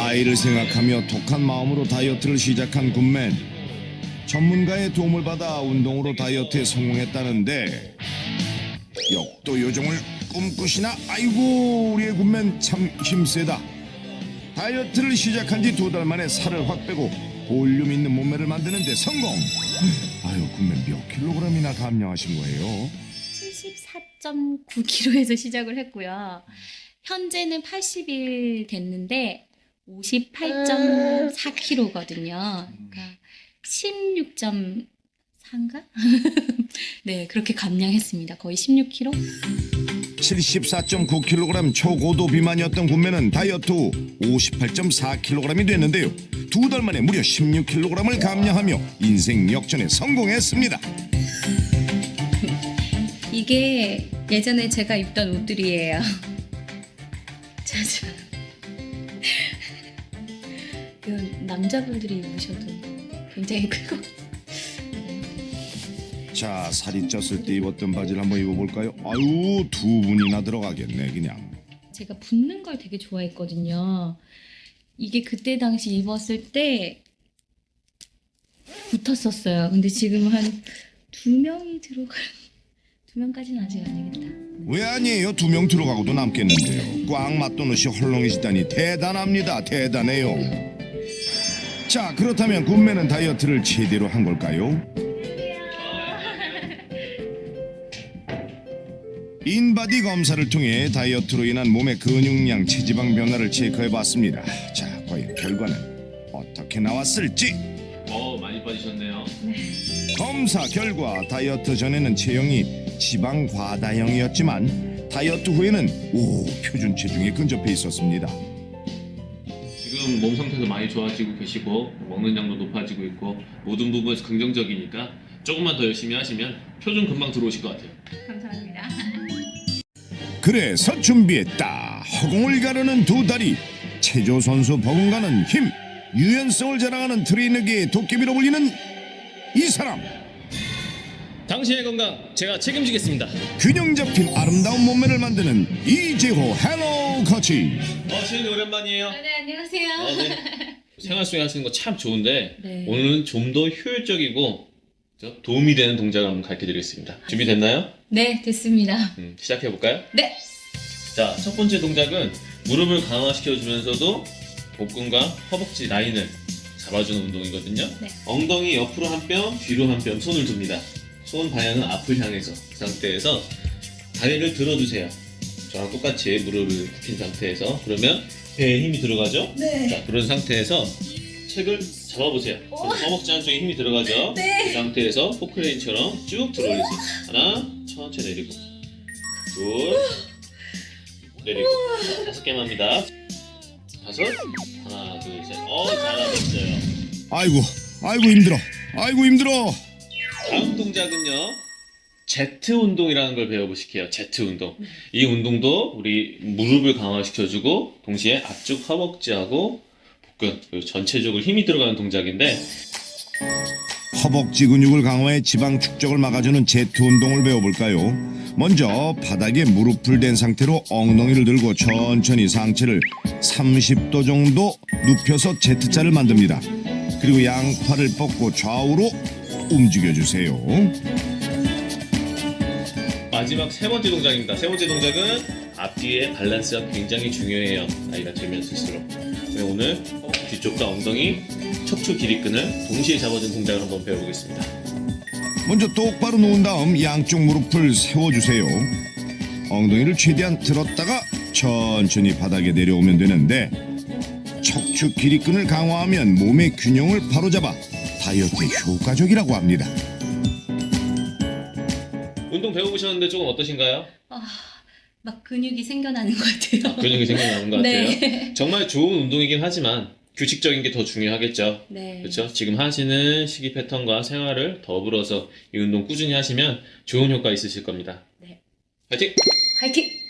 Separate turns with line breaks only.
아이를 생각하며 독한 마음으로 다이어트를 시작한 굿맨. 전문가의 도움을 받아 운동으로 다이어트에 성공했다는데 역도 요정을 꿈꾸시나? 아이고, 우리의 굿맨 참 힘세다. 다이어트를 시작한 지 2달 만에 살을 확 빼고 볼륨 있는 몸매를 만드는 데 성공. 아유, 굿맨 몇 킬로그램이나 감량하신 거예요?
74.9kg에서 시작을 했고요. 현재는 80일 됐는데 58.4kg거든요. 그러니까 16.4인가? 네, 그렇게 감량했습니다. 거의 16kg?
74.9kg 초고도 비만이었던 굿맨은 다이어트 후 58.4kg이 됐는데요. 2달 만에 무려 16kg을 감량하며 인생 역전에 성공했습니다.
이게 예전에 제가 입던 옷들이에요. 짜잔. 이건 남자분들이 입으셔도 굉장히 크고.
자, 살이 쪘을 때 입었던 바지를 한번 입어볼까요? 아유, 2분이나 들어가겠네 그냥.
제가 붙는 걸 되게 좋아했거든요. 이게 그때 당시 입었을 때 붙었었어요. 근데 지금 한 2명이 들어갈 2명까지는 아직 아니겠다.
왜 아니에요? 2명 들어가고도 남겠는데요. 꽉 맞던 옷이 헐렁해지다니 대단합니다. 대단해요. 자, 그렇다면 굿맨은 다이어트를 제대로 한 걸까요? 인바디 검사를 통해 다이어트로 인한 몸의 근육량, 체지방 변화를 체크해봤습니다. 자, 과연 결과는 어떻게 나왔을지.
많이 빠지셨네요.
검사 결과 다이어트 전에는 체형이 지방 과다형이었지만 다이어트 후에는 표준 체중에 근접해 있었습니다.
지금 몸 상태도 많이 좋아지고 계시고 먹는 양도 높아지고 있고 모든 부분에서 긍정적이니까 조금만 더 열심히 하시면 표준 금방 들어오실 것 같아요.
감사합니다.
그래서 준비했다. 허공을 가르는 2다리, 체조 선수 버금가는 힘, 유연성을 자랑하는 트레이너계의 도깨비로 불리는 이 사람.
당신의 건강 제가 책임지겠습니다.
균형 잡힌 아름다운 몸매를 만드는 이재호 헬로 코치.
시은이 오랜만이에요.
네, 안녕하세요.
네. 생활 속에 하시는 거 참 좋은데
네.
오늘은 좀 더 효율적이고 도움이 되는 동작을 한번 가르쳐드리겠습니다. 준비됐나요?
네, 됐습니다.
시작해볼까요?
네.
자, 첫 번째 동작은 무릎을 강화시켜주면서도 복근과 허벅지 라인을 잡아주는 운동이거든요.
네.
엉덩이 옆으로 한 뼘, 뒤로 한 뼘 손을 둡니다. 손 방향은 앞을 향해서 그 상태에서 다리를 들어주세요. 저랑 똑같이 무릎을 굽힌 상태에서 그러면 배에 힘이 들어가죠?
네.
자, 그런 상태에서 책을 잡아보세요. 허벅지 한쪽에 힘이 들어가죠?
네.
그 상태에서 포크레인처럼 쭉 들어올리세요. 하나, 천천히 내리고 둘, 내리고 5개만 합니다. 5, 하나, 둘, 셋. 잘하셨어요.
아이고 힘들어. 아이고 힘들어.
다음 동작은요. 제트 운동이라는 걸 배워보실게요. 제트 운동. 이 운동도 우리 무릎을 강화시켜주고 동시에 앞쪽 허벅지하고 복근 그리고 전체적으로 힘이 들어가는 동작인데
허벅지 근육을 강화해 지방 축적을 막아주는 제트 운동을 배워볼까요? 먼저 바닥에 무릎을 댄 상태로 엉덩이를 들고 천천히 상체를 30도 정도 눕혀서 Z자를 만듭니다. 그리고 양팔을 뻗고 좌우로 움직여주세요.
마지막 세 번째 동작입니다. 세 번째 동작은 앞뒤의 밸런스가 굉장히 중요해요. 나이가 들면 들수록. 오늘 뒤쪽과 엉덩이, 척추 길이끈을 동시에 잡아준 동작을 한번 배워보겠습니다.
먼저 똑바로 누운 다음 양쪽 무릎을 세워주세요. 엉덩이를 최대한 들었다가 천천히 바닥에 내려오면 되는데 척추 길이끈을 강화하면 몸의 균형을 바로잡아 다이어트에 효과적이라고 합니다.
운동 배워보셨는데 조금 어떠신가요?
막 근육이 생겨나는 것 같아요.
근육이 생겨나는 것 같아요.
네.
정말 좋은 운동이긴 하지만 규칙적인 게 더 중요하겠죠.
네.
그렇죠? 지금 하시는 식이 패턴과 생활을 더불어서 이 운동 꾸준히 하시면 좋은 효과 있으실 겁니다.
네.
파이팅!
화이팅!